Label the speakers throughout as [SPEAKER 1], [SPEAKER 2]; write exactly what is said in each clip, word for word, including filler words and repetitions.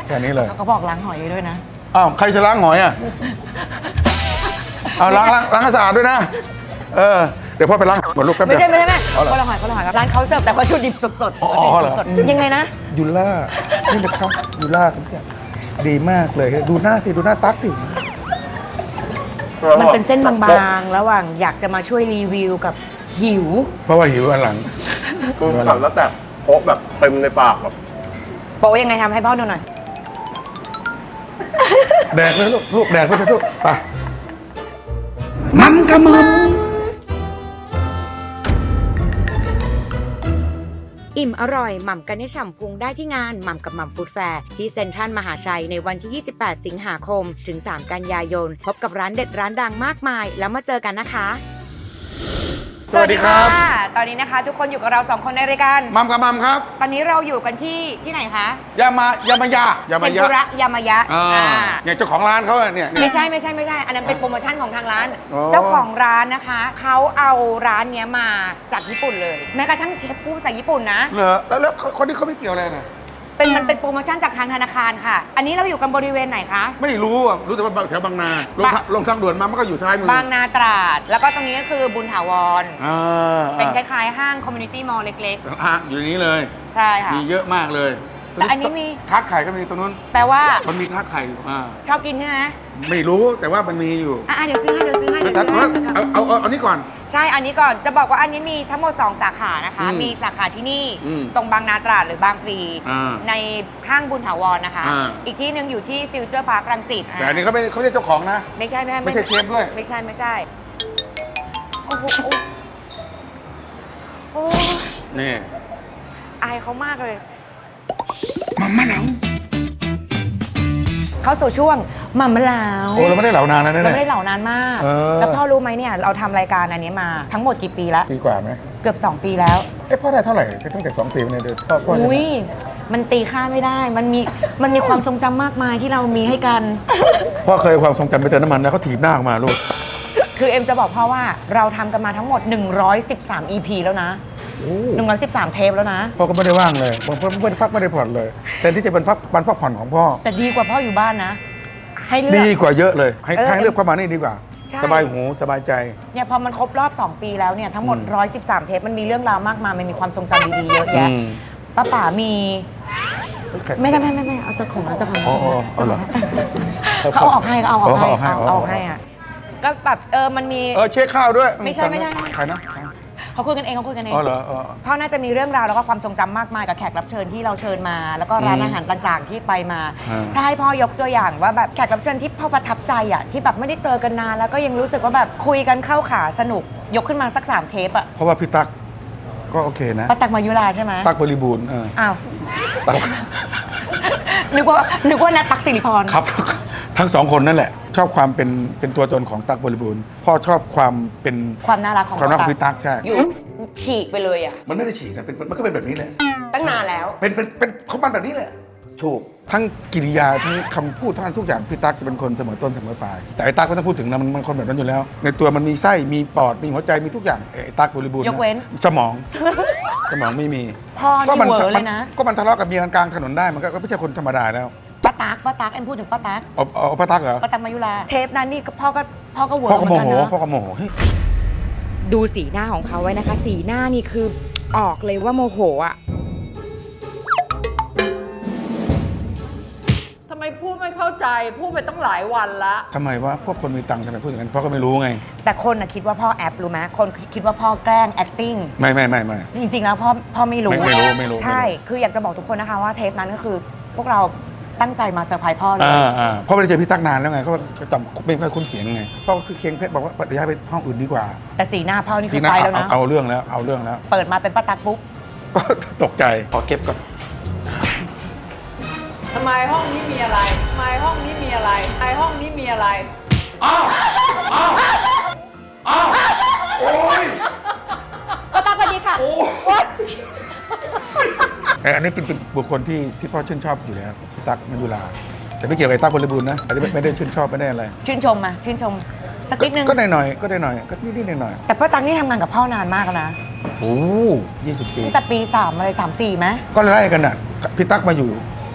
[SPEAKER 1] แค่นี้เลย
[SPEAKER 2] เขาบอกล้างหอยด้วยนะ
[SPEAKER 1] อ้าวใครจะล้างหอยอ่ะเอาล้างล้างล้างให้สะอาดด้วยนะเออเดี๋ยวพ่อไปล้างหมดลูกแป๊บเดี
[SPEAKER 2] ไม่
[SPEAKER 1] ยว
[SPEAKER 2] ใช่ไม่ใช่ไม่คนละหอยคนละหอยครับร้านเขาเสิร์ฟแต่วัตถุดิบสดๆ
[SPEAKER 1] อ๋อเหรอ
[SPEAKER 2] สดๆยังไงนะ
[SPEAKER 1] ยูล่านี่นะครับยูล่าครับเนี่ยดีมากเลยดูหน้าสิดูหน้าตั๊กสิ
[SPEAKER 2] มันเป็นเส้นบางๆระหว่างอยากจะมาช่วยรีวิวกับหิว
[SPEAKER 1] เพราะว่าหิวอันหลัง
[SPEAKER 3] คือขับแล้วแต่โพกแบบเต็มในปากแบบ
[SPEAKER 2] โปะยังไงทำให้พ่อดูหน่อย
[SPEAKER 1] แดกเลยลูกลูกแดกไปเถอะลูกไปมันกระมึม
[SPEAKER 2] อิ่มอร่อยหม่ำกันให้ฉ่ำพุงได้ที่งานหม่ำกับหม่ำฟู้ดแฟร์ที่เซ็นทรัลมหาชัยในวันที่ ยี่สิบแปด สิงหาคม ถึง สาม กันยายน พบกับร้านเด็ดร้านดังมากมายแล้วมาเจอกันนะคะ
[SPEAKER 1] สวัสดีครับ
[SPEAKER 2] ตอนนี้นะคะทุกคนอยู่กับเราสองคนในรายการ
[SPEAKER 1] มัมกับมัมครับ
[SPEAKER 2] ตอนนี้เราอยู่กันที่ที่ไหนคะ
[SPEAKER 1] ยามายามายายามายา
[SPEAKER 2] ยามายะ
[SPEAKER 1] อ่าเนี่ยเจ้าของร้านเขาเนี่ย
[SPEAKER 2] ไม่ใช่ไม่ใช่ไม่ใช่อันนั้นเป็นโปรโมชั่นของทางร้านเจ้าของร้านนะคะเขาเอาร้านเนี้ยมาจากญี่ปุ่นเลยแม้กระทั่งเชฟพูดภาษาญี่ปุ่นนะ
[SPEAKER 1] เหรอแล้วแล้วคนที่เขาไม่เกี่ยวอะไรนะ
[SPEAKER 2] เป็นมันเป็นโปรโมชั่นจากทางธนาคารค่ะอันนี้เราอยู่กันบริเวณไหนคะ
[SPEAKER 1] ไม่รู้อ่ะรู้แต่ว่าแถวบางนาลงลงทางด่วนมามันก็อยู่ซ้ายมือบ
[SPEAKER 2] างนาตราดแล้วก็ตรงนี้ก็คือบุญถาวร
[SPEAKER 1] อ่า
[SPEAKER 2] เป็นคล้ายๆห้างคอมมูนิตี้มอลล์เล็ก
[SPEAKER 1] ๆห้างอยู่นี้เลย
[SPEAKER 2] ใช่ค่ะ
[SPEAKER 1] มีเยอะมากเลย
[SPEAKER 2] แต่อันนี้มี
[SPEAKER 1] ทาร์ตไข่ก็มีตรงนู้น
[SPEAKER 2] แปลว่า
[SPEAKER 1] มันมีทาร์ตไข่อ่า
[SPEAKER 2] ชอบกินใช่ไหม
[SPEAKER 1] ไม่รู้แต่ว่ามันมีอยู่
[SPEAKER 2] อ่ะเดี๋ยวซื้อให้เดี๋ยวซื้อให้เดี๋ยวซื้อให้
[SPEAKER 1] เอาเอาเอาอันนี้ก่อน
[SPEAKER 2] ใช่อันนี้ก่อนจะบอกว่าอันนี้มีทั้งหมดสองสาขานะคะมีสาขาที่นี่ตรงบางนาตราดหรือบางพลีในห้างบุญถาวรนะคะอีกที่หนึ่งอยู่ที่ฟิวเจอร์พาร์ครังสิต
[SPEAKER 1] แต่อันนี้เขาไม่เขาไม่ใช่เจ้าของนะ
[SPEAKER 2] ไม่ใช่ไม่ใช่
[SPEAKER 1] ไม่ใช่เชฟด้วย
[SPEAKER 2] ไม่ใช่ไม่ใช่โอ้โหโอ้
[SPEAKER 1] นี่
[SPEAKER 2] อายเขามากเลย
[SPEAKER 1] มัมมะเหลา
[SPEAKER 2] เข้าสู่ช่วงมัมมะเหลา
[SPEAKER 1] โอ้เราไม่ได้เหลานานแล้วเนี่ย
[SPEAKER 2] เราไม่ได้เหลานานมากแล้วพ่อรู้ไหมเนี่ยเราทำรายการอันนี้มาทั้งหมดกี่ปีแล้ว
[SPEAKER 1] ปีกว่าไหม
[SPEAKER 2] เกือบสองปีแล้ว
[SPEAKER 1] เอ๊ะพ่อได้เท่าไหร่ตั้งแต่สองปีเนี่ยเดี๋ยวพ่อพ่อ
[SPEAKER 2] อุ้ยมันตีค่าไม่ได้มันมีมันมีความทรงจำมากมายที่เรามีให้กัน
[SPEAKER 1] พ่อเคยความทรงจำไปเติมน้ำมันแล้วเขาถีบหน้าออกมาลูก
[SPEAKER 2] คือเอ็มจะบอกพ่อว่าเราทำกันมาทั้งหมดหนึ่งร้อยสิบสาม อี พี แล้วนะหนึ่งร้อยสิบสามเทปแล้วนะ
[SPEAKER 1] พ่อก็ไม่ได้ว่างเลยพ่อไม่ได้พักไม่ได้ผ่อนเลยแทนที่จะเป็นพักวันพักผ่อนของพ่อ
[SPEAKER 2] แต่ดีกว่าพ่ออยู่บ้านนะให้เลือก
[SPEAKER 1] ดีกว่าเยอะเลยให้ให้เลือกเข้ามานี่ดีกว่าสบายหูสบายใจ
[SPEAKER 2] เนี่ยพอมันครบรอบสองปีแล้วเนี่ยทั้งหมดหนึ่งร้อยสิบสามเทปมันมีเรื่องราวมากมายมันมีความทรงจำดีๆเยอะแยะป้าป๋ามีไม่ใช่ไม่ไม่ไม่เอาเจ้าของเจ้าของ
[SPEAKER 1] เขา
[SPEAKER 2] เอาออกให้เขาเอาออกให้เอาออกให้อ่ะก็แบบเออมันมี
[SPEAKER 1] เออเช็คข้าวด้วย
[SPEAKER 2] ไม่ใช่ไม่ใช่
[SPEAKER 1] ใครนะ
[SPEAKER 2] เขาคุยกันเองเขาคุยกันเอง
[SPEAKER 1] อ๋อเหรอ
[SPEAKER 2] พ่อน่าจะมีเรื่องราวแล้วก็ความทรงจำมากมายกับแขกรับเชิญที่เราเชิญมา แล้วก็ร้านอาหารต่างๆที่ไปมาถ้าให้พ่อยกตัวอย่างว่าแบบแขกรับเชิญที่พ่อประทับใจอ่ะที่แบบไม่ได้เจอกันนานแล้วก็ยังรู้สึกว่าแบบคุยกันเข้าขาสนุกยกขึ้นมาสักสามเทปอ่ะ
[SPEAKER 1] เพราะว่าพี่ตั๊กก็โอเคนะ
[SPEAKER 2] ป้าตั๊กมายุราใช่ไหม
[SPEAKER 1] ตั๊กบริบูรณ์
[SPEAKER 2] อ้าวนึกว่านึกว่านัทตั๊กสิริพร
[SPEAKER 1] ครับทั้งสองคนนั่นแหละชอบความเป็นเป็นตัวตนของตั๊กบริบูรณ์พ่อชอบความเป็น
[SPEAKER 2] ความน่ารักของ
[SPEAKER 1] ความน่ารักของพี่ตั๊กใช่
[SPEAKER 2] อยู่ฉีกไปเลยอ่ะ
[SPEAKER 1] มันไม่ได้ฉีกนะเป็นมันก็เป็นแบบนี้แหละ
[SPEAKER 2] ตั้งนานแล้ว
[SPEAKER 1] เป็นเป็นเป็นเขามันแบบนี้แหละถูกทั้งกิริยาทั้งคำพูดทั้งทุกอย่างพี่ตั๊กจะเป็นคนเสมอต้นเสมอปลายแต่ไอ้ตั๊กไม่ต้องพูดถึงนะมันมันคนแบบนั้นอยู่แล้วในตัวมันมีไส้มีปอดมีหัวใจมีทุกอย่างไอ้ตั๊กบริบูรณ์
[SPEAKER 2] ยกเว้น
[SPEAKER 1] สมองสมองไม่มี
[SPEAKER 2] พ่อนี่เวอร์เลยนะ
[SPEAKER 1] ก็มันทะเลาะกับเมียกลางถนนได้มันก็ไม่ใช่คนธรรมดาแล้ว
[SPEAKER 2] ป้าตั๊กป้าตั๊กเอ็มพูดถึงป้าตั๊ก
[SPEAKER 1] อ๋อป้าตั๊กเหรอ
[SPEAKER 2] ป้าตั๊กมายุราเทปนั้นนี่พ่อก็พ่อก็เวิร์
[SPEAKER 1] กพ่อก็โมโหพ่อก็โมโห
[SPEAKER 2] ดูสีหน้าของเขาไว้นะคะสีหน้านี่คือออกเลยว่าโมโหอ่ะ
[SPEAKER 4] ทำไมพูดไม่เข้าใจพูดไปตั้งหลายวันละ
[SPEAKER 1] ทำไมว่าพวกคนมีตังค์ทำไมพูดอย่างนั้นพ่อก็ไม่รู้ไง
[SPEAKER 2] แต่คนน่ะคิดว่าพ่อแอปรู้ไหมคนคิดว่าพ่อแกล้ง acting
[SPEAKER 1] ไม่ไม่ไม่ไม่
[SPEAKER 2] จริงๆแล้วพ่อพ่อไม่รู้
[SPEAKER 1] ไม่รู้ไม่รู้
[SPEAKER 2] ใช่คืออยากจะบอกทุกคนนะคะว่าเทปนั้นก็คือพวกเราตั้งใจมาเซอร์ไพรส์พ่อเลย
[SPEAKER 1] อ่าอ่าพ่อไม่ได้เจอพี่ตั๊กนานแล้วไงเขาจำไม่ค่อยคุ้นเสียงไงพ่อคือเคียงเพชรบอกว่าเดี๋ยวย้ายไปห้องอื่นดีกว่า
[SPEAKER 2] แต่สีหน้าพ่อนี่คือไปแล้วนะ
[SPEAKER 1] เอาเรื่องแล้วเอาเรื่องแล้ว
[SPEAKER 2] เปิดมาเป็นป้าตั๊กปุ๊บ
[SPEAKER 1] ก็ตกใจขอเก็บก่อน
[SPEAKER 4] ทำไมห้องนี้มีอะไรทำไมห้องนี้มีอะไรไอห้องนี้มีอะไร
[SPEAKER 1] อ้าวอ้าวอ้าวโอ้ย
[SPEAKER 2] ป้าตั๊กสวัสดีค่ะ
[SPEAKER 1] อันนี้เป็นบุคคลที่ที่พ่อชื่นชอบอยู่แล้วพี่ตั๊กมายุราแต่ไม่เกี่ยวกับตั๊กบริบูรณ์นะอันนี้ไม่ได้ชื่นชอบไม่ได้อะไร
[SPEAKER 2] ชื่นชมมาชื่นชมสักนิดนึง
[SPEAKER 1] ก็หน่อยหน่อยก็ได้หน่อยก็นิดๆหน่อย
[SPEAKER 2] แต่ป้าตั๊กนี่ทำงานกับพ่อนานมากแล้วนะ
[SPEAKER 1] โอ้ยี่สิบปี
[SPEAKER 2] ตั้งแต่ปีสามอะไรสามสี่ไหม
[SPEAKER 1] ก็ไล่กันอ่ะพี่ตั๊กมาอยู่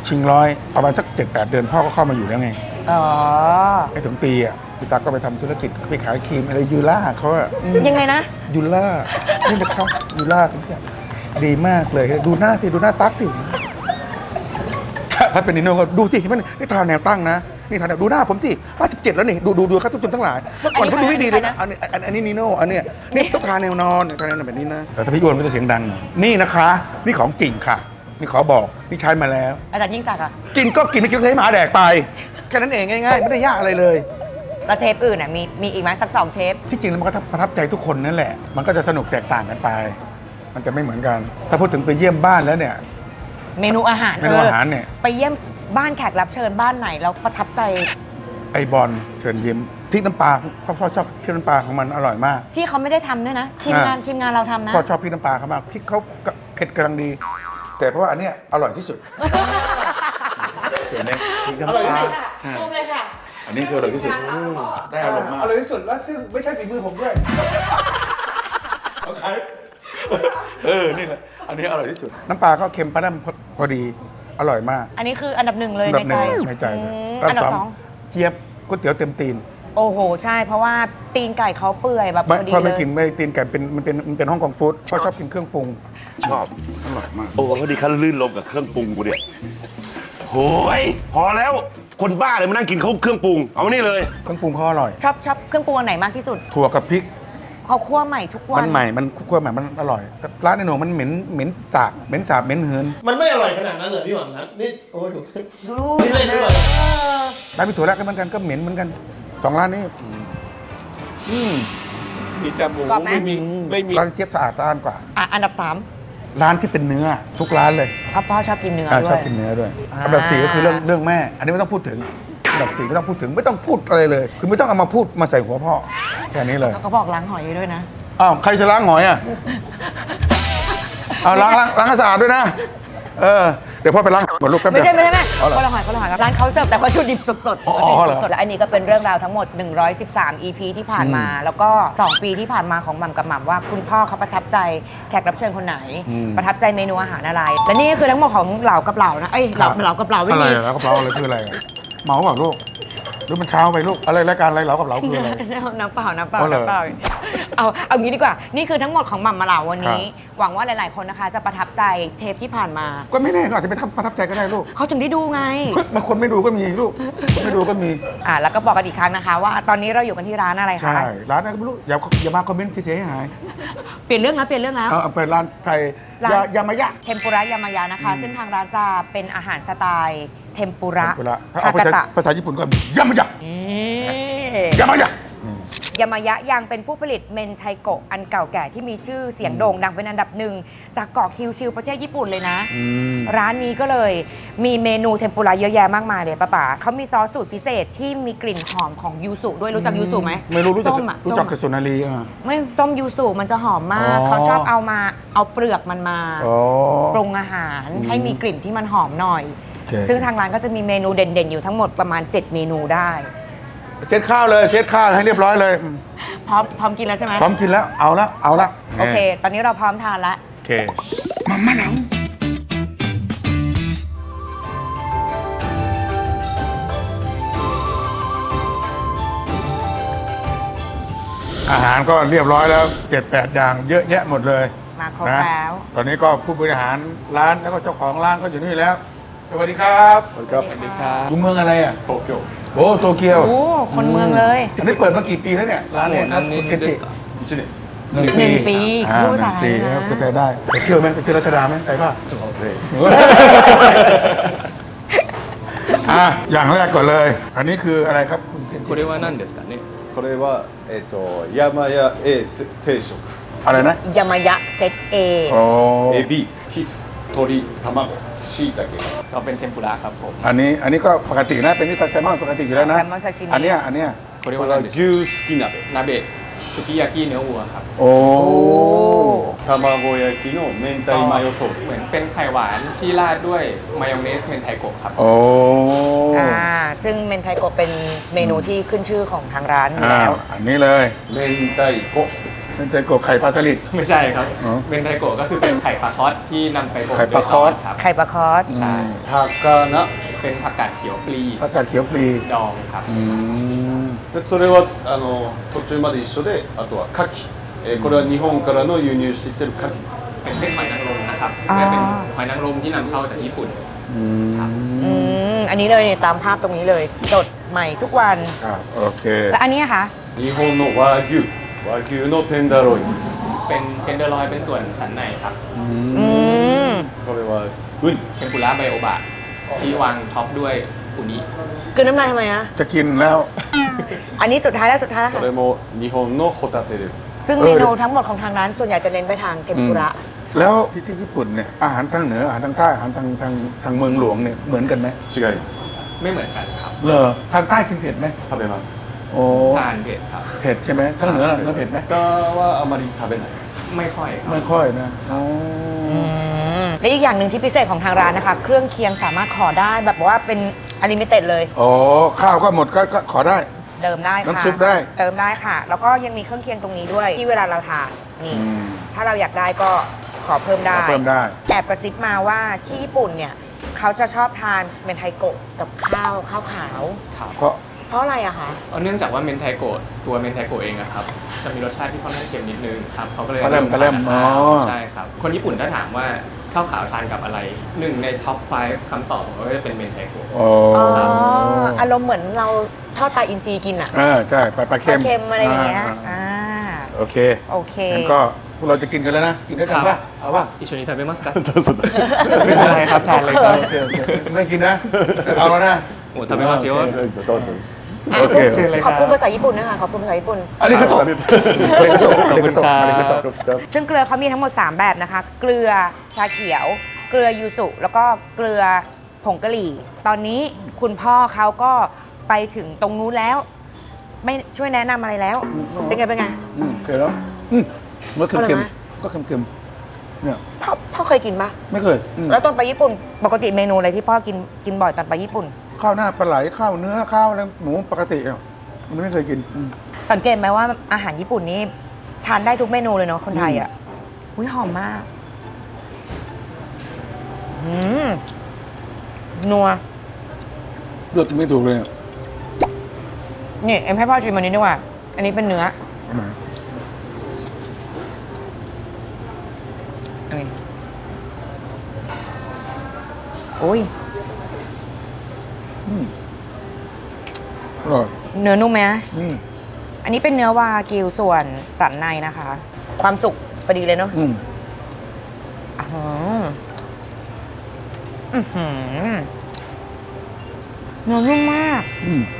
[SPEAKER 1] ชิงร้อยประมาณสักเจ็ดแปดเดือนพ่อก็เข้ามาอยู่แล้วไง
[SPEAKER 2] อ๋อ
[SPEAKER 1] ไม่ถึงปีอ่ะพี่ตั๊กก็ไปทำธุรกิจไปขายครีมอะไรยูล่าเขาอะ
[SPEAKER 2] ยังไงนะ
[SPEAKER 1] ยูล่านี่นะครับยูล่าทุกอย่างดีมากเลยดูหน้าสิดูหน้าตั๊กสิถ้าถ้าเป็นนิโน่ก็ดูสิมันนี่ทาแนวตั้งนะนี่ทาแนวดูหน้าผมสิห้าสิบเจ็ดแล้วนี่ดูดูดูครับทุกคนทั้งหลายเมื่อก่อนเขาดูไม่ดีเลยนะอันนี้อันอันนี้นิโน่อันเนี้ยนี่ต้องทาแนวนอนทาแนวแบบนี้นะแต่ถ้าพี่อ้วนก็จะเสียงดังหน่อยนี่นะคะนี่ของจริงค่ะนี่ขอบอกนี่ใช้มาแล้ว
[SPEAKER 2] อาจารย์ยิ่งศักดิ์อะ
[SPEAKER 1] กินก็กินไม่กินก็ให้หมาแดกไปแค่นั้นเองง่ายๆไม่ได้ยากอะไรเลย
[SPEAKER 2] แล้วเทปอื่นอ่ะมีมีอีกไหมสักสองเทป
[SPEAKER 1] ที่จริงแล้วมันก็ประทับใจทุกคนนั่นแหละ มันก็จะสนุกแตกต่างกันไป มันจะไม่เหมือนกัน ถ้าพูดถึงไปเยี่ยมบ้านแล้วเนี่ย
[SPEAKER 2] เมนูอาหาร
[SPEAKER 1] เมนูอาหารเนี่ย
[SPEAKER 2] ไปเยี่ยมบ้านแขกรับเชิญบ้านไหนแล้วประทับใจ
[SPEAKER 1] ไอบอลเชิญยิ้มพริกน้ำปลาพ่อชอบชอบพริกน้ำปลาของมันอร่อยมาก
[SPEAKER 2] ที่เขาไม่ได้ทำด้วยนะ ทีมงาน
[SPEAKER 1] อ่า
[SPEAKER 2] ทีมงานเราทำนะ
[SPEAKER 1] พ่อชอบพริกน้ำปลาเขามากพริกเขาเผ็ดกำลังดี แต่เพราะว่าอันเนี้ยอร่อยที่สุดเห็นไหมพริกน้ำปลา
[SPEAKER 2] ซูมเลยค่ะ
[SPEAKER 1] อันนี้คืออร่อยที่สุดได้อร่อยมากอร่อยที่สุดแล้วซึ่งไม่ใช่ฝีมือผมด้วยเอาขายเออนี่แหละอันนี้อร่อยที่สุดน้ำปลาก็เค็มปลาดำพอดีอร่อยมาก
[SPEAKER 2] อันนี้คืออันดับหนึ่งเลย
[SPEAKER 1] อันดั
[SPEAKER 2] ใน
[SPEAKER 1] บห
[SPEAKER 2] ใจ
[SPEAKER 1] นึ่งในใจเลย
[SPEAKER 2] อืม
[SPEAKER 1] อั
[SPEAKER 2] อันดับสอง
[SPEAKER 1] เจี๊ยบก๋วยเตี๋ยวเต็มตีน
[SPEAKER 2] โอ้โห ใช่ เพราะว่าตีนไก่เขาเปื่อยแบบ
[SPEAKER 1] ไม่
[SPEAKER 2] พอดี
[SPEAKER 1] พ่อ
[SPEAKER 2] เล
[SPEAKER 1] ไม่
[SPEAKER 2] ย
[SPEAKER 1] กินไม่ตีนไก่เป็นมันเป็นมันเป็นฮ่องกงฟู้ดพ่อชอบกินเครื่องปรุง
[SPEAKER 5] ชอบ
[SPEAKER 1] อร่อยมาก
[SPEAKER 5] โอ้พอดีเขาลื่นลมกับเครื่องปรุงกูเนี่ยโอ้ยพอแล้วคนบ้าเลยมานั่งกินเขาเครื่องปรุง เอามานี่เลย
[SPEAKER 1] เครื่องปรุงเขาอร่อย
[SPEAKER 2] ชอบชอบเครื่องปรุงอันไหนมากที่สุด
[SPEAKER 1] ถั่วกับพริก
[SPEAKER 2] เขาคั่วใหม่ทุกวั
[SPEAKER 1] มัน นใหม่มันคั่วใหม่มันอร่อยแต่ร้านในหนูมันเหม็นเหม็นสาบเหม็นสาบเหม็นเหือน
[SPEAKER 6] มันไม่อร่อยขนาดนั้นเหรอพี่หวังนะนี่โอ้ยดู
[SPEAKER 2] ดู
[SPEAKER 6] นี่เล่นด้วย
[SPEAKER 1] ร้านพี่ถั่วแรกก็เหมือนกันก็เหม็นเหมือนกันสองร้านนี้อืม
[SPEAKER 6] มีแต่หมู
[SPEAKER 2] กรอบไหม
[SPEAKER 6] ไม่มีไม่มี
[SPEAKER 1] ร้านเจี๊ยบสะอาดสะอาดกว่า
[SPEAKER 2] อ่ะอันดับสาม
[SPEAKER 1] ร้านที่เป็นเนื้อทุกร้านเลย
[SPEAKER 2] พ่อพ่อชอบกินเนื้อ
[SPEAKER 1] อ่า
[SPEAKER 2] ด้
[SPEAKER 1] ช
[SPEAKER 2] ว
[SPEAKER 1] อบ
[SPEAKER 2] ย
[SPEAKER 1] กินเนื้อด้วย
[SPEAKER 2] อ่า
[SPEAKER 1] อันดับสี่ก็คือเรื่องเรื่องแม่ อันนี้ไม่ต้องพูดถึงอันดับสี่ไม่ต้องพูดถึงไม่ต้องพูดอะไรเลย คือไม่ต้องเอามาพูดมาใส่หัวพ่อแค่นี้เลย
[SPEAKER 2] เขาบอกล้างหอยด้วยนะ
[SPEAKER 1] อ้าวใครจะล้างหอยอ่ะ เอาล้างล้างล้างให้สะอาดด้วยนะ เออ เดี๋ยวพ่อไปล้างหมดลูกแป๊บเดี
[SPEAKER 2] ไม่
[SPEAKER 1] ยว
[SPEAKER 2] ใช่ไม่ใช่ไม่
[SPEAKER 1] อ๋อเหรอ
[SPEAKER 2] คนละหอยคนละหอยครับร้านเขาเสิร์ฟแต่วัตถุดิบสดๆ
[SPEAKER 1] อ๋อ
[SPEAKER 2] วัตถุ
[SPEAKER 1] เหร
[SPEAKER 2] ดิ
[SPEAKER 1] อ
[SPEAKER 2] บสดๆและอันนี้ก็เป็นเรื่องราวทั้งหมด หนึ่งร้อยสิบสาม อี พี ที่ผ่านมา แล้วก็สองปีที่ผ่านมาของหม่ำกับหม่ำว่าคุณพ่อเขาประทับใจแขกรับเชิญคนไหน
[SPEAKER 1] อืม
[SPEAKER 2] ประทับใจเมนูอาหารอะไร และนี่ก็คือทั้งหมดของเหล่ากับเหล่านะเอ้ยเหล่าเหล่ากับเหล่าไม่
[SPEAKER 1] อะไร
[SPEAKER 2] มี
[SPEAKER 1] อะแล้วกับเราอะไรคืออะไรอะเมาเปล่าลูกหรือมันเช้าไปลูกอะไรรายการอะไรเรากับเราคืออะไร
[SPEAKER 2] น้ำเปล่าน้ำเปล่า
[SPEAKER 1] อ๋อเหรอ
[SPEAKER 2] น้ำเปล่าเอาเอางี้ดีกว่า นี่คือทั้งหมดของหม่ำมาเหล่าวันนี้
[SPEAKER 1] ครั
[SPEAKER 2] หวังว่าหลาย ๆ คนนะคะ จะประทับใจเทปที่ผ่านมา
[SPEAKER 1] ก็ไม่แน่ก็อาจจะไปทำประทับใจก็ได้ลูก
[SPEAKER 2] เขาถึงได้ดูไง
[SPEAKER 1] บางคนไม่ดูก็มีลูกคนไม่ดูก็มี
[SPEAKER 2] อ่าแล้วก็บอกกันอีกครั้งนะคะ ว่าตอนนี้เราอยู่กันที่ร้านอะไรคะ
[SPEAKER 1] ใช่ ร้านอะไรก็ไม่รู้ อย่าอย่ามาคอมเมนต์เสียหาย
[SPEAKER 2] เปลี่ยนเรื่องแล้วเปลี่ยนเรื่องแล้ว
[SPEAKER 1] เอาเอาเปิดร้านไทย
[SPEAKER 2] ร้าน
[SPEAKER 1] ยายามายะ
[SPEAKER 2] เทมปุระยามายานะคะ ซึ่งทางร้านจะเป็นอาหารสไตล์เทมปุระ
[SPEAKER 1] เวลาถ้า
[SPEAKER 2] ฮา
[SPEAKER 1] เอาภาก
[SPEAKER 2] า
[SPEAKER 1] ษา
[SPEAKER 2] ตะ
[SPEAKER 1] ภาษาญี่ปุ่นก็ยามายะ
[SPEAKER 2] นี่
[SPEAKER 1] ยามายะ
[SPEAKER 2] ยามายะยังเป็นผู้ผลิตเมนไทโกะอันเก่าแก่ที่มีชื่อเสียงโด่งดังเป็นอันดับหนึ่งจากเกาะคิวชิวประเทศญี่ปุ่นเลยนะ
[SPEAKER 1] อืม
[SPEAKER 2] ร้านนี้ก็เลยมีเมนูเทมปุระเยอะแยะมากมายเลยป้าป๋าเขามีซอสสูตรพิเศษที่มีกลิ่นหอมของยูสุด้วยรู้จักยูสุไหม
[SPEAKER 1] ไม่รู้รู้จัก
[SPEAKER 2] ส้มอะ
[SPEAKER 1] รู้จัก
[SPEAKER 2] ส้ม
[SPEAKER 1] กับ
[SPEAKER 2] อะ
[SPEAKER 1] สุนารีอ่ะ
[SPEAKER 2] ไม่ส้มยูสุมันจะหอมมาก
[SPEAKER 1] อ๋อ
[SPEAKER 2] เขาชอบเอามาเอาเปลือกมันมา
[SPEAKER 1] อ๋อ
[SPEAKER 2] ปรุงอาหาร
[SPEAKER 1] อืม
[SPEAKER 2] ให้มีกลิ่นที่มันหอมหน่อย
[SPEAKER 1] โอเค
[SPEAKER 2] ซึ่งทางร้านก็จะมีเมนูเด่นๆ อยู่ทั้งหมดประมาณ เจ็ด เมนูได้
[SPEAKER 1] เช็ดข้าวเลยเช็ดข้าวให้เรียบร้อยเลยอืม
[SPEAKER 2] พร้อมพร้อมกินแล้วใช่ไหม
[SPEAKER 1] พร้อมกินแล้วเอาละเอาละ
[SPEAKER 2] โอเค ตอนนี้เราพร้อมทานแล้ว
[SPEAKER 1] โอเคมาม่าหนังอาหารก็เรียบร้อยแล้วเจ็ดแปดอย่างเยอะแยะหมดเลย
[SPEAKER 2] มาครบ
[SPEAKER 1] นะ
[SPEAKER 2] แล้ว
[SPEAKER 1] ตอนนี้ก็ผู้บริหารร้านแล้วก็เจ้าของร้านก็อยู่นี่แล้ว สวัสดีครับ
[SPEAKER 3] สวัสดีครับ
[SPEAKER 1] อยู่เมืองอะไรอ่ะ
[SPEAKER 3] โตเกียว
[SPEAKER 1] โอ้โตเกียว
[SPEAKER 2] โอ้คนเมืองเลย
[SPEAKER 1] อันนี้เปิดมากี่ปีแล้วเนี่ยร้านเนี่ยครับคุณเคนจิ
[SPEAKER 3] 一年
[SPEAKER 1] หนึ่ง
[SPEAKER 2] หนึ่งปี
[SPEAKER 1] อ่า
[SPEAKER 2] พูด
[SPEAKER 1] ห
[SPEAKER 2] ภาษา
[SPEAKER 1] นึ่ง
[SPEAKER 2] ไท
[SPEAKER 1] ปี
[SPEAKER 2] ย
[SPEAKER 1] ครับ
[SPEAKER 2] นะ
[SPEAKER 1] จะใจได้ไปเที่ยวไหมไปเที่ยวรัชดาไหมไปป่ะ
[SPEAKER 3] ちょっと待って
[SPEAKER 1] อ่ะอย่างแรกก่อนเลย อันนี้คืออะไรครับคุณเคนจิ
[SPEAKER 6] これは何ですかね
[SPEAKER 3] これはえっと山屋 A 定食
[SPEAKER 1] อะไรนะ
[SPEAKER 2] ยามายะเซตเอ
[SPEAKER 1] โอ้
[SPEAKER 3] エビキス鶏卵しいたけ
[SPEAKER 6] เราเป็นเทมปุระครับผม
[SPEAKER 1] อันนี้อันนี้ก็ปกตินะเป็นนิพพานแซลมอนปกติอยู่แล้วนะ
[SPEAKER 2] แซลมอนซาชิมิ
[SPEAKER 1] อันเนี้ยอันเนี้ย
[SPEAKER 6] これ
[SPEAKER 3] これは
[SPEAKER 6] は何ですか
[SPEAKER 3] 牛すき鍋
[SPEAKER 6] 鍋
[SPEAKER 3] 牛
[SPEAKER 6] สุกิยากิเนื้อวัวครับ
[SPEAKER 1] โอ้
[SPEAKER 7] 卵焼きの明太マヨソース
[SPEAKER 6] เหมือนเป็นไข่หวานที่ราดด้วยมายองเนสเมนไทโกะครับ
[SPEAKER 1] โอ้
[SPEAKER 2] อ่าซึ่งเมนไทโกะเป็นเมนูที่ขึ้นชื่อของทางร้านอยู่
[SPEAKER 1] อ้า
[SPEAKER 2] แล้ว ว
[SPEAKER 1] อันนี้เลย
[SPEAKER 7] 明太子です
[SPEAKER 1] เป็นไส้กรอกไข่ปลาสลิด
[SPEAKER 6] ไม่ใช่ครับ
[SPEAKER 1] อ๋อ
[SPEAKER 6] เมนไทโกะก็คือเป็นไข่ปลาคอสที่นำไปบ่ม
[SPEAKER 1] ไข่ปลาคอส
[SPEAKER 6] ด้วยซครับ
[SPEAKER 2] ไข่ปลาคอส
[SPEAKER 6] ใช่
[SPEAKER 7] 高菜
[SPEAKER 6] เป็นผักกาดเขียวปลี
[SPEAKER 1] ผักกาดเขียวปลี
[SPEAKER 6] ดองครับ
[SPEAKER 1] อืม
[SPEAKER 7] でそれはあの途中まで一緒であとは牡蠣、えーこれは日本からの輸入してきてる牡蠣です
[SPEAKER 6] เป็นเส้นหอยนางรมนะครับ
[SPEAKER 2] อ๋อ
[SPEAKER 6] เป็นหอยนางรมที่นำเข้าจากญี่ปุ่น
[SPEAKER 1] อืม
[SPEAKER 2] อืมอันนี้เลยตามภาพตรงนี้เลยสดใหม่ทุกวัน
[SPEAKER 1] ครับโอเค
[SPEAKER 2] และอันนี้อะคะ
[SPEAKER 7] 日本の和牛和牛のテンダーロインです
[SPEAKER 6] เป็นเทนเดอร์ลอยเป็นส่วนสันในครับ
[SPEAKER 2] อืม
[SPEAKER 7] これはウニ
[SPEAKER 6] เทมปุระไบโอบะที่วางท็อปด้วยอุนิ
[SPEAKER 2] คือน้ำลายทำไมอะ
[SPEAKER 1] จะกินแล้ว
[SPEAKER 2] อันนี้สุดท้ายแล้วสุดท้ายแล้ว
[SPEAKER 7] こ
[SPEAKER 2] ค่ะ
[SPEAKER 7] れも日本のホタテです
[SPEAKER 2] ซึ่ง
[SPEAKER 1] เอ
[SPEAKER 2] เม
[SPEAKER 1] อ
[SPEAKER 2] นูทั้งหมดของทางร้านส่วนใหญ่จะเน้นไปทางเทมปุระ
[SPEAKER 1] แล้วที่ที่ญี่ปุ่นเนี่ยอาหารทางเหนืออาหารทางใต้อาหารทางทางทางเมืองหลวงเนี่ยเหมือนกันไหม
[SPEAKER 7] 違います
[SPEAKER 6] ไม่เหมือนกันครับ
[SPEAKER 1] เหรอทางใต้กินเผ็ดไหม
[SPEAKER 7] 食べます
[SPEAKER 1] โอ้
[SPEAKER 6] ทานเผ็ดครับ
[SPEAKER 1] เผ็ดใช่ไหมทางเหนือเนื้อเผ็ดไหม
[SPEAKER 7] 他はあまり食べないです
[SPEAKER 6] ไม่ค่อยครับ
[SPEAKER 1] ไม่ค่อยนะอ๋อ
[SPEAKER 2] อืมและอีกอย่างหนึ่งที่พิเศษของทางร้านนะคะ เครื่องเคียงสามารถขอได้แบบว่าเป็นอลิมิเต็ดเลย
[SPEAKER 1] โอ้ข้าวก็หมดก็ก็ขอได้
[SPEAKER 2] เติมได้ค่ะ
[SPEAKER 1] น้ำซุปได้
[SPEAKER 2] เติมได้ค่ะ แล้วก็ยังมีเครื่องเคียงตรงนี้ด้วย ที่เวลาเราทานนี่
[SPEAKER 1] อืม
[SPEAKER 2] ถ้าเราอยากได้ก็ขอเพิ่มได้
[SPEAKER 1] ขอเพิ่มได้
[SPEAKER 2] แอบกระซิบมาว่าที่ญี่ปุ่นเนี่ยเขาจะชอบทานเมนไทโกะกับข้าวข้าวขาว
[SPEAKER 6] ครับ
[SPEAKER 1] เพราะ
[SPEAKER 2] เพราะอะไรอะคะ
[SPEAKER 6] เอาเนื่องจากว่าเมนไทโกะตัวเมนไทโกะเองอะครับจะมีรสชาติที่ค่อนข้างเค็มนิดนึงครับเขาก็เลย
[SPEAKER 1] กระเล่มกระเล่ม
[SPEAKER 6] ทาน
[SPEAKER 1] อ๋อ
[SPEAKER 6] ใช่ครับ คนญี่ปุ่นถ้าถามว่าข้าวขาวทานกับอะไรหนึ่งในท็อปไฟว์คำตอบของเขาก็จะเป็นเมนไทโกะ
[SPEAKER 1] โอ้
[SPEAKER 2] อ๋ออารมณ์เหมือนเราทอดปลาอินทรีกินอะ
[SPEAKER 1] เออใช่ปลาปลา
[SPEAKER 2] ป
[SPEAKER 1] เค็
[SPEAKER 2] ลาม เค็มอะไรอย่างเงี้ย
[SPEAKER 1] อ่า
[SPEAKER 2] อ่า
[SPEAKER 1] โอเค
[SPEAKER 2] โอเค
[SPEAKER 1] งั้นก็พวกเราจะกินกันแล้วนะ กินด้วยกันป่ะเอาป่ะ
[SPEAKER 6] อิชนิทาเบมัสกั
[SPEAKER 7] どうぞどうぞ
[SPEAKER 6] ไม่เป็นไรครับทานเลยครับ
[SPEAKER 1] โอเคโอเคไม่กินนะ เอาแล้วนะ
[SPEAKER 6] โอ้ทาเบมัสโย
[SPEAKER 7] どうぞ
[SPEAKER 2] อ่ะ
[SPEAKER 1] โอเค
[SPEAKER 6] เชิญเลย
[SPEAKER 2] ขอบคุณภาษาญี่ปุ่นนะคะขอบคุณภาษาญี่ปุ่น
[SPEAKER 1] อันนี้ก็ตก
[SPEAKER 7] ありがとう
[SPEAKER 1] อันนี้ก็ตกอันนี้ก็ตก
[SPEAKER 6] ขอบคุณครับ
[SPEAKER 2] ซึ่งเกลือเขามีทั้งหมด สาม แบบนะคะ เกลือชาเขียว เกลือยูสุ แล้วก็เกลือผงกะหรี่ ตอนนี้คุณพ่อเขาก็ไปถึงตรงนู้นแล้ว ไม่ช่วยแนะนำอะไรแล้ว เป็นไงเป็นไง
[SPEAKER 1] อืมโอเคแล้วอืมเมื่อ
[SPEAKER 2] อร่อย
[SPEAKER 1] เค็ม
[SPEAKER 2] ไหม
[SPEAKER 1] ๆก็เค็มๆเนี่ย
[SPEAKER 2] พ่อพ่อเคยกินปะ
[SPEAKER 1] ไม่เคยอืม
[SPEAKER 2] แล้วตอนไปญี่ปุ่น ปกติเมนูอะไรที่พ่อกินกินบ่อยตอนไปญี่ปุ่น
[SPEAKER 1] ข้าวหน้าปลาไหลข้าวเนื้อข้าวอะไรหมูปกติอ่ะมันไม่เคยกินอืม
[SPEAKER 2] สังเกตไหมว่าอาหารญี่ปุ่นนี่ทานได้ทุกเมนูเลยเนาะคนไทยอ่ะอุ้ยหอมมากอืมนัว
[SPEAKER 1] เลือกกินไม่ถูกเลยอ่ะ
[SPEAKER 2] นี่เอ็มให้พ่อชิมอันนี้ดีกว่า อันนี้เป็นเนื้อ
[SPEAKER 1] เอามา
[SPEAKER 2] อันนี้โอ้ย
[SPEAKER 1] อร่อย
[SPEAKER 2] เนื้อนุ่มไหม
[SPEAKER 1] อืม
[SPEAKER 2] อันนี้เป็นเนื้อวากิวส่วนสันในนะคะ ความสุกพอดีเลยเนาะ
[SPEAKER 1] อืม
[SPEAKER 2] อื้อหืออื้อหือเนื้อนุ่มมาก
[SPEAKER 1] อืม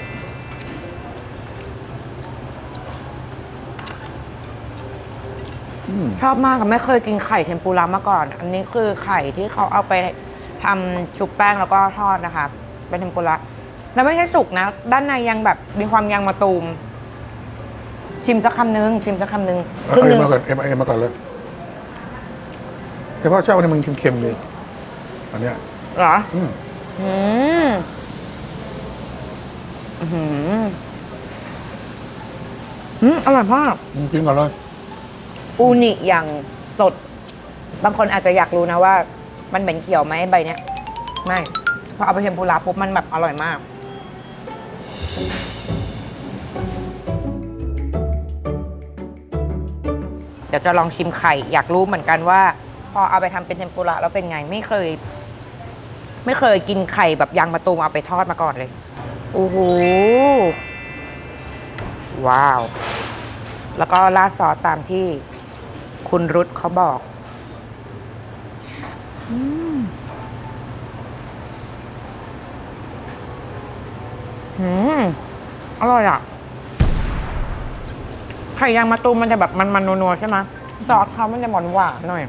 [SPEAKER 1] อืม
[SPEAKER 2] ชอบมากค่ะไม่เคยกินไข่เทมปุระมาก่อน อันนี้คือไข่ที่เขาเอาไปทำชุบแป้งแล้วก็ทอดนะคะ เป็นเทมปุระแล้วไม่ใช่สุกนะ ด้านในยังแบบมีความยางมะตูม ชิมสักคำนึง ชิมสักคำนึงค
[SPEAKER 1] เอา
[SPEAKER 2] รึ่ง
[SPEAKER 1] เอ็
[SPEAKER 2] นึ
[SPEAKER 1] ม
[SPEAKER 2] ง
[SPEAKER 1] มาก่อนเอ็มเอ็มมาก่อนเลย แต่พ่อชอบอันนี้มันเค็มๆเลยอันเนี้ย
[SPEAKER 2] เหรอ
[SPEAKER 1] อืม
[SPEAKER 2] อืมอื้อหืออืมอร่อยมาก
[SPEAKER 1] อืมกินก่อนเลย
[SPEAKER 2] อูนิอย่างสด บางคนอาจจะอยากรู้นะว่า มันเหม็นเขียวไหมใบเนี้ย ไม่ พอเอาไปเทมปุระปุ๊บมันแบบอร่อยมาก เดี๋ยวจะลองชิมไข่ อยากรู้เหมือนกันว่า พอเอาไปทำเป็นเทมปุระแล้วเป็นไง ไม่เคย ไม่เคยกินไข่แบบยางมะตูมเอาไปทอดมาก่อนเลย โอ้โห ว้าว แล้วก็ราดซอสตามที่คุณรุตเขาบอกอืมอืมอร่อยอ่ะ ไข่ยางมะตูมมันจะแบบมันๆนัวๆใช่ไหมซอสเขามันจะหวานหวานๆหน่อย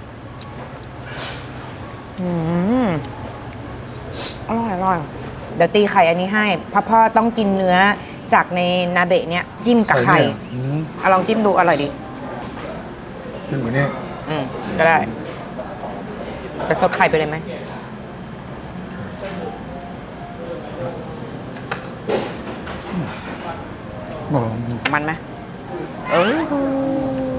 [SPEAKER 2] อืมอร่อยอร่อย เดี๋ยวตีไข่อันนี้ให้พ่อพ่อต้องกินเนื้อจากในนาเบะเนี่ยจิ้มกับไข่
[SPEAKER 1] อืม
[SPEAKER 2] เอาลองจิ้มดูอร่อยดี
[SPEAKER 1] ขึ้นกว่านี้
[SPEAKER 2] อืมก็ได้จะซดไข่ไปเลยไหม
[SPEAKER 1] โอ้โห
[SPEAKER 2] มันไหมเออ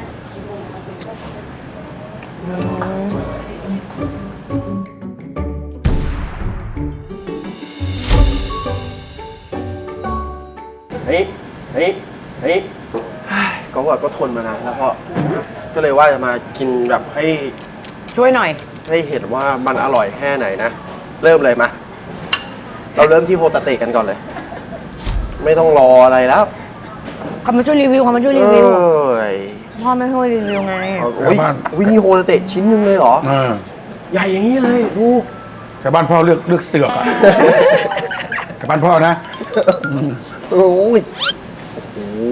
[SPEAKER 3] เฮ้ยเฮ้ยเฮ้ยก็ว่าก็ทนมานานแล้วพ่อก็เลยว่าจะมากินแบบให้
[SPEAKER 2] ช่วยหน่อย
[SPEAKER 3] ให้เห็นว่ามันอร่อยแค่ไหนนะ เริ่มเลยมาเราเริ่มที่โฮตาเตะกันก่อนเลย ไม่ต้องรออะไรแล้ว
[SPEAKER 2] เขามาช่วยรีวิวเขามาช่วย
[SPEAKER 3] เอ
[SPEAKER 2] รีวิว
[SPEAKER 3] ้ย
[SPEAKER 2] พ่อไม่ช่วยรีวิวไง
[SPEAKER 3] เอาอุ้ยวินี่โฮตาเตะชิ้นหนึ่งเลยเหรอ
[SPEAKER 1] อ่า
[SPEAKER 3] ใหญ่อย่างนี้เลยดู
[SPEAKER 1] แต่บ้านพ่อเลือกเลือกเสือกอะ แต่บ้านพ่อนะ
[SPEAKER 3] โอ้ยโอ้โห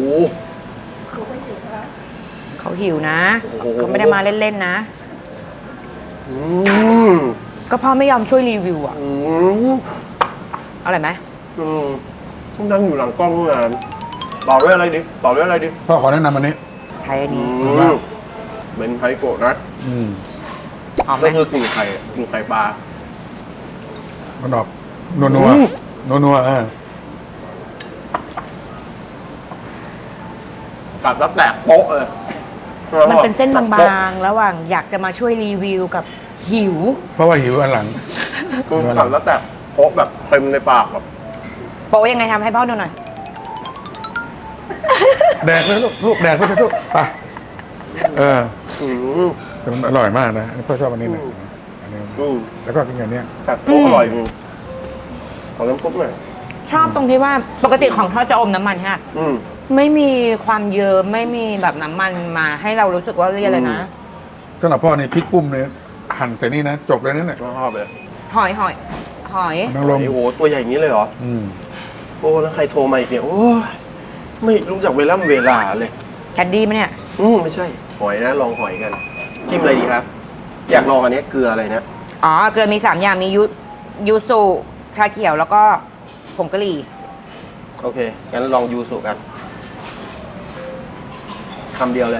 [SPEAKER 2] เขาหิวนะ
[SPEAKER 3] โอ้โห
[SPEAKER 2] เขาไม่ได้มาเล่นๆนะ
[SPEAKER 3] อืม
[SPEAKER 2] ก็พ่อไม่ยอมช่วยรีวิวอ่ะ
[SPEAKER 3] อืม
[SPEAKER 2] อร่อยไหม
[SPEAKER 3] อืมนั่งอยู่หลังกล้องนานต่อด้วยอะไรดิต่อด้วยอะไรดิ
[SPEAKER 1] พ่อขอแนะนำอันนี้
[SPEAKER 2] ใช้อัน
[SPEAKER 3] อื
[SPEAKER 2] นี้
[SPEAKER 3] มเป็นไทโกะนะ
[SPEAKER 1] อืม
[SPEAKER 2] หอมไหม
[SPEAKER 3] ก็คือกลิ่นไข่กลิ่นไข่ปลา
[SPEAKER 1] มันออกนัวนัว
[SPEAKER 3] อืม
[SPEAKER 1] นัวนัวๆเออ
[SPEAKER 3] กัดแล้วแตกโป๊ะเลย
[SPEAKER 2] มันเป็นเส้นบางๆ ระหว่างอยากจะมาช่วยรีวิวกับหิว
[SPEAKER 1] เพราะว่าหิวอันหลัง
[SPEAKER 3] คือกัดแล้วแตกโป๊ะแบบเต็มในปากแบบ
[SPEAKER 2] โป๊ยังไงทำให้พ่อดูหน่อย
[SPEAKER 1] แดกเลยลูกลูกแดกไปเถอะลูกไปเออ
[SPEAKER 3] อืม
[SPEAKER 1] แต่มันอร่อยมากนะอันนี้พ่อชอบอันนี้นะอันนี้
[SPEAKER 3] อืม
[SPEAKER 1] แล้วก็กินอย่างเนี้ย
[SPEAKER 3] กัดโป๊ะอร่อยจริงขอน้ำซุปหน่อย
[SPEAKER 2] ชอบตรงที่ว่าปกติของทอดจะอมน้ำมันฮะ
[SPEAKER 3] อืม
[SPEAKER 2] ไม่มีความเยิ้มไม่มีแบบน้ำมันมาให้เรารู้สึกว่าเรียกเลยนะ
[SPEAKER 1] สำหรับพ่อนี่พริกปุ้มเนี่ยหั่นใส่นี่นะ จบเลยนั่นแหละ
[SPEAKER 3] ชอบเลย
[SPEAKER 2] หอยหอยหอย
[SPEAKER 1] นางรม
[SPEAKER 3] โอ้โหตัวใหญ่อย่างนี้เลยเหรอ
[SPEAKER 1] อืม
[SPEAKER 3] โอ้แล้วใครโทรมาอีกเนี่ยโอ้ยไม่รู้จักเวลาเวลาเลย
[SPEAKER 2] แคดดี้ไหมเนี่ย
[SPEAKER 3] อืมไม่ใช่ หอยนะลองหอยกันจิ้มอะไรดีครับ อยากลองอันนี้เกลืออะไรนะ
[SPEAKER 2] อ๋อ เกลือมีสามอย่างมียูยูสุชาเขียวแล้วก็ผงกะหรี่
[SPEAKER 3] โอเคงั้นลองยูสุกันคำเดียวเลย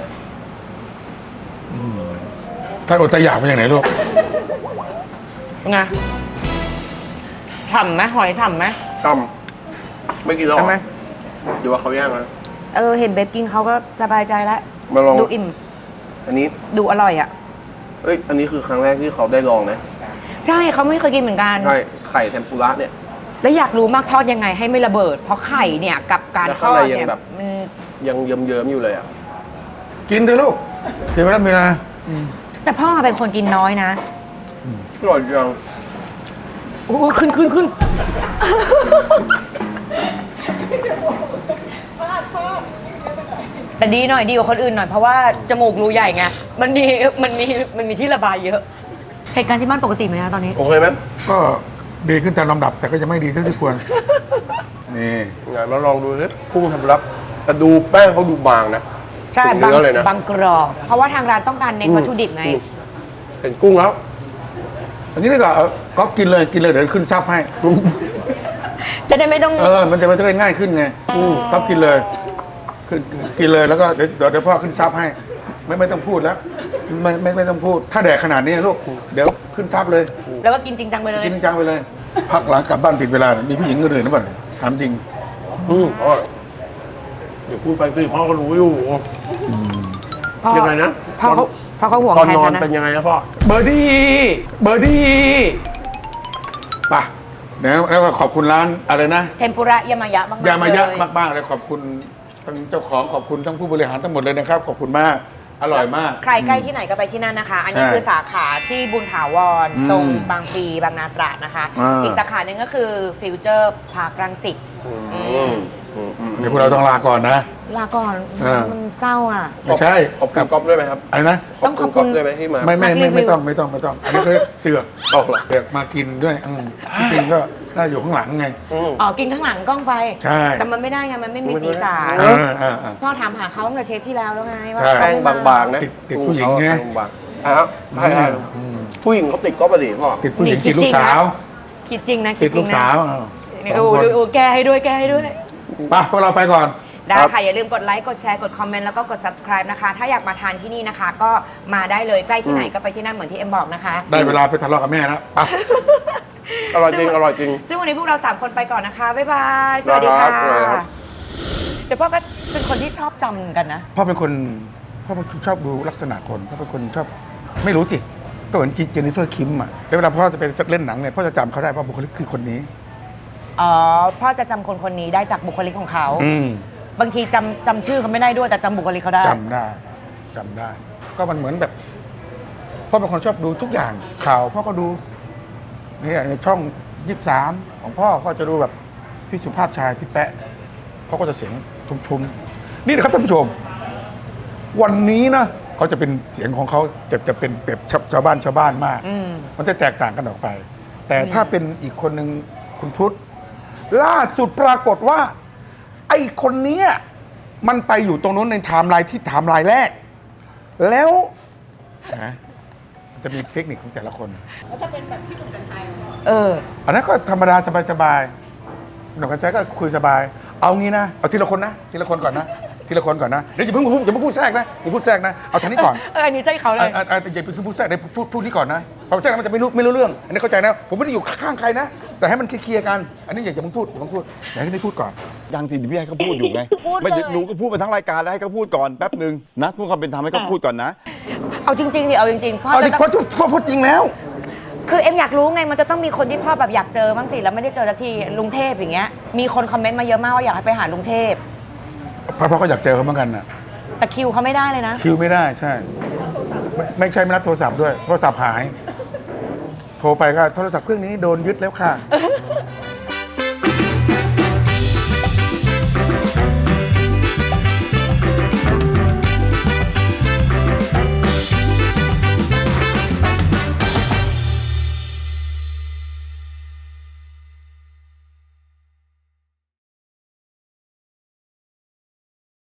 [SPEAKER 1] ถ้าอดตะอยากมาจากไหนลูก
[SPEAKER 2] ไงฉ่ำไหมหอยฉ่ำไหม
[SPEAKER 3] ต้มไม่กินแล้วเหร
[SPEAKER 2] ทำไม
[SPEAKER 3] อเดี๋ยวว่าเขาแย่งนะ
[SPEAKER 2] เออ เห็นเบบกินเขาก็สบายใจแล้ว
[SPEAKER 3] มาลอง
[SPEAKER 2] ดูอิ่ม
[SPEAKER 3] อันนี้
[SPEAKER 2] ดูอร่อยอ่ะ
[SPEAKER 3] เอ้ยอันนี้คือครั้งแรกที่เขาได้ลองนะ
[SPEAKER 2] ใช่เขาไม่เคยกินเหมือนกัน
[SPEAKER 3] ใช่ไข่เทมปุระเนี่ย
[SPEAKER 2] แล้วอยากรู้มากทอดยังไงให้ไม่ระเบิด เพราะไข่เนี่ยกับการ
[SPEAKER 3] แล้ว
[SPEAKER 2] ท
[SPEAKER 3] ข้าง
[SPEAKER 2] อ
[SPEAKER 3] ใน
[SPEAKER 2] ด
[SPEAKER 3] ยัง
[SPEAKER 2] เนี่ย
[SPEAKER 3] แบบ
[SPEAKER 2] มัน
[SPEAKER 3] ยังเยิ้มๆอยู่เลยอ่ะ
[SPEAKER 1] กินเถอะลูกเสียเวลาเวลา
[SPEAKER 2] แต่พ่อเป็นคนกินน้อยนะ
[SPEAKER 3] อร่อยจัง
[SPEAKER 2] โอ้ขึ้นขึ้นขึ้นแต่ดีหน่อยดีกว่าคนอื่นหน่อยเพราะว่าจมูกรูใหญ่ไงมันมีมันมีมันมีที่ระบายเยอะเหตุการณ์ที่บ้านปกติไหมนะตอนนี้
[SPEAKER 3] โอเคไหม
[SPEAKER 1] ก็ดีขึ้นตามลำดับ แต่ก็จะไม่ดีเท่าที่ควร นี่
[SPEAKER 3] ไงมาลองดูสิกุ้งเทมปุระแต่ดูแป้งเขาดูบางนะ
[SPEAKER 2] ใช่
[SPEAKER 3] ถึง
[SPEAKER 2] บาง
[SPEAKER 3] เนื้อเลยนะ
[SPEAKER 2] บางกรอบเพราะว่าทางร้านต้องการเน้นวัตถุดิบไง
[SPEAKER 3] อืมเห็นกุ้งแล้ว
[SPEAKER 1] อันนี้นี่ก็เอาก็กินเลยกินเลยเดี๋ยวขึ้นซับให้
[SPEAKER 2] จะได้ไม่ต้อง
[SPEAKER 1] เออ มันจะมันจะได้ง่ายขึ้นไงก็กินเลยขึ้นกินเลยแล้วก็เดี๋ยวเดี๋ยวเดี๋ยวพ่อขึ้นซับให้ ไม่ไม่ต้องพูดแล้ว ไม่ไม่ไม่ต้องพูด ถ้าแดกขนาดนี้ลูก เดี๋ยวขึ้นซับเลย
[SPEAKER 2] แล้วก็กินจริงจังไปเลย
[SPEAKER 1] กินจังไปเลย พักหลังกลับบ้านติดเวลาเนี่ยมีผู้หญิงคนอื่นหรือเปล่าเนี่ยถามจริง
[SPEAKER 3] อืมอร่อยเดี๋ยวพูดไปสิพ่อก็รู้อยู่
[SPEAKER 2] พ่อ
[SPEAKER 3] ยังไงนะ
[SPEAKER 2] พ่อเขาพ่อเขาห่วง
[SPEAKER 3] ตอน
[SPEAKER 2] แทน
[SPEAKER 3] นอน
[SPEAKER 2] ฉันนะ
[SPEAKER 3] เป็นยังไงนะพ่อ
[SPEAKER 1] เบอร์ดี้เบอร์ดี้ป่ะเดี๋ยวแล้วก็ขอบคุณร้านอะไรนะ
[SPEAKER 2] เทมปุระยามายะมากๆ
[SPEAKER 1] ยามายะ
[SPEAKER 2] เลย
[SPEAKER 1] มากๆเลยขอบคุณทั้งเจ้าของขอบคุณทั้งผู้บริหารทั้งหมดเลยนะครับ ขอบคุณมากอร่อยมาก
[SPEAKER 2] ใครใกล้ที่ไหนก็ไปที่นั่นนะคะ อันนี้
[SPEAKER 1] ใช่
[SPEAKER 2] คือสาขาที่บุญถาวร
[SPEAKER 1] อืม
[SPEAKER 2] ตรงบางพลีบางนาตราดนะคะ
[SPEAKER 1] อ่า
[SPEAKER 2] อีกสาขาหนึ่งก็คือฟิวเจอร์พาร์ครังสิต
[SPEAKER 3] อืมอืมอืม
[SPEAKER 1] เดี๋ยวพวกเราต้องลาก่อนนะ
[SPEAKER 2] ลาก่อน
[SPEAKER 1] อ่ามั
[SPEAKER 2] มันเศร้าอ่ะ
[SPEAKER 1] ไม่ใช่
[SPEAKER 3] ขอบคุณก๊อฟด้วยไหมครับ
[SPEAKER 1] อะไรนะ
[SPEAKER 2] ต้องขอบคุณ
[SPEAKER 3] ก๊ฟด้วยไหมที่มา
[SPEAKER 1] ไม่ไม่ไม่
[SPEAKER 2] นักรีวิว
[SPEAKER 1] ไม่ต้องไม่ต้องไม่ต้อง อันนี้ก็เสือก
[SPEAKER 3] ออกเหรอ
[SPEAKER 1] เสือกมากินด้วยอืมที่จริงก็น่าอยู่ข้างหลังไง
[SPEAKER 3] อืม
[SPEAKER 2] อ๋อกินข้างหลังกล้องไป
[SPEAKER 1] ใช่
[SPEAKER 2] แต่มันไม่ได้ไงมันไม่มีสีสัน
[SPEAKER 1] เออเออเออ
[SPEAKER 2] พ่อถามหาเขาตั้งแต่เทปที่แล้วแล้วไงว่า
[SPEAKER 1] ใช่
[SPEAKER 3] แป้งบางๆนะ
[SPEAKER 1] ติดติดผู้หญิงไง
[SPEAKER 3] แป้บางๆอ่ะครับใช่ใช่
[SPEAKER 1] อืม
[SPEAKER 3] ผู้หญิงเขาติดก๊อฟอะดิพ่อ
[SPEAKER 1] ติดผู้หญิงติดลูกสาว
[SPEAKER 2] คิดจริงนะ
[SPEAKER 1] ติ
[SPEAKER 2] คิ
[SPEAKER 1] ด
[SPEAKER 2] ดจ
[SPEAKER 1] ลู
[SPEAKER 2] ริ
[SPEAKER 1] ก
[SPEAKER 2] งนะ
[SPEAKER 1] สาวอ้าว
[SPEAKER 2] นี่
[SPEAKER 1] สอง
[SPEAKER 2] โอ้
[SPEAKER 1] คน
[SPEAKER 2] ดูโอ้แก้ให้ด้วยแก้ให้ด้วย
[SPEAKER 1] ไปพวกเราไปก่อน
[SPEAKER 2] ได้ค่ะ อย่าลืมกดไลค์ กดแชร์ กดคอมเมนต์ แล้วก็กด subscribe นะคะ ถ้าอยากมาทานที่นี่นะคะ ก็มาได้เลย ใกล้ที่ไหนก็ไปที่นั่นเหมือนที่เอ็มบอกนะคะ
[SPEAKER 1] ได้เวลาไปทะเลาะกับแม่แล้วไป
[SPEAKER 3] อร่อยจริง อร่อยจริง
[SPEAKER 2] ซึ่งวันนี้พวกเราสามคนไปก่อนนะคะ บ๊ายบาย สวัสดีค่ะ
[SPEAKER 3] ได้ครับได้ครับ
[SPEAKER 2] เดี๋ยวพ่อก็เป็นคนที่ชอบจำกันนะ
[SPEAKER 1] พ่อเป็นคนพ่อเป็นคนชอบดูลักษณะคนพ่อเป็นคนชอบไม่รู้สิก็เหมือนเจนนิเฟอร์คิมอ่ะแล้วเวลาพ่อจะไปเล่นหนังเนี่ยพ่อจะจำเขาได้เพราะบุคลิกคือคนนี้
[SPEAKER 2] อ๋อ พ่อจะจำคนคนนี้ได้จากบุคลิกของเขา
[SPEAKER 1] อืม
[SPEAKER 2] บางทีจำจำชื่อเขาไม่ได้ด้วยแต่จำบุคลิกเขาได้
[SPEAKER 1] จำได้จำได้ ก็มันเหมือนแบบพ่อเป็นคนชอบดูทุกอย่างข่าวพ่อก็ดูเนี่ยในช่องยี่สิบสามของพ่อก็จะดูแบบพี่สุภาพชายพี่แปะเขาก็จะเสียงทุ้มๆนี่นะครับท่านผู้ชม วันนี้นะเขาจะเป็นเสียงของเขาจะจะเป็นแบบชาวบ้านชาวบ้านมาก
[SPEAKER 2] อืม
[SPEAKER 1] มันจะแตกต่างกันออกไป แต่ถ้าเป็นอีกคนหนึ่งคุณพุทธล่าสุดปรากฏว่า ไอ้คนเนี้ยมันไปอยู่ตรงนู้นในไทม์ไลน์ที่ไทม์ไลน์แรก แล้วนะมันจะมีเทคนิคของแต่ละคน
[SPEAKER 2] เออ
[SPEAKER 1] อันนั้นก็ธรรมดาสบายๆหนุ่มกันใช้ก็คุยสบาย เอางี้นะ เอาทีละคนนะ ทีละคนก่อนนะ ทีละคนก่อนนะ เดี๋ยวอย่าเพิ่งพูดอย่าเพิ่งพูดแทรกนะอย่าพูดแทรกนะ เอาทางนี้ก่อน
[SPEAKER 2] เออ อันนี้ใช่เขาเลย
[SPEAKER 1] อ่ะอ่ะอย่าเพิ่งพูดแทรกเดี๋ยวพูดพูดนี้ก่อนนะพอแทรกแล้วมันจะไม่รู้ไม่รู้เรื่อง อันนี้เข้าใจนะ ผมไม่ได้อยู่ข้างใครนะ แต่ให้มันเคลียร์ๆกัน อันนี้อย่าอย่าเพิ่งพูดอย่าเพิ่งพูดอย่าให้ได้พูดก่อน
[SPEAKER 8] ยังสิพี่ให้เขาพูดอยู่ไง
[SPEAKER 2] พูดเลย
[SPEAKER 8] ไม่เดี๋ยวหนูก็พูดไปทั้งรายการแล้วให้เขาพูดก่อนแป๊บหนึ่งนะพูดความเป็นธรรมให้เขาพูดก่อนนะ
[SPEAKER 2] เอาจริงๆสิ เอาจริงๆ พ่อ
[SPEAKER 1] เอา
[SPEAKER 2] จะ
[SPEAKER 1] ดิ
[SPEAKER 2] ต้อง
[SPEAKER 1] พ่อพ่อพูดจริงแล้ว
[SPEAKER 2] คือเอ็มอยากรู้ไง มันจะต้องมีคนที่พ่อแบบอยากเจอบ้างสิ แล้วไม่ได้เจอสักที ลุงเทพอย่างเงี้ย มีคนคอมเมนต์มาเยอะมากว่าอยากให้ไปหาลุงเทพ
[SPEAKER 1] พ่อพ่อก็อยากเจอเขาเหมือนกันนะ
[SPEAKER 2] แต่คิวเขาไม่ได้เลยนะ
[SPEAKER 1] คิวไม่ได้ใช่ไม่ไม่ใช่ไม่รับโทรศัพท์ด้วย โทรศัพท์หาย โทรไปก็โทรศัพท์เครื่องนี้โดนยึดแล้วค่ะ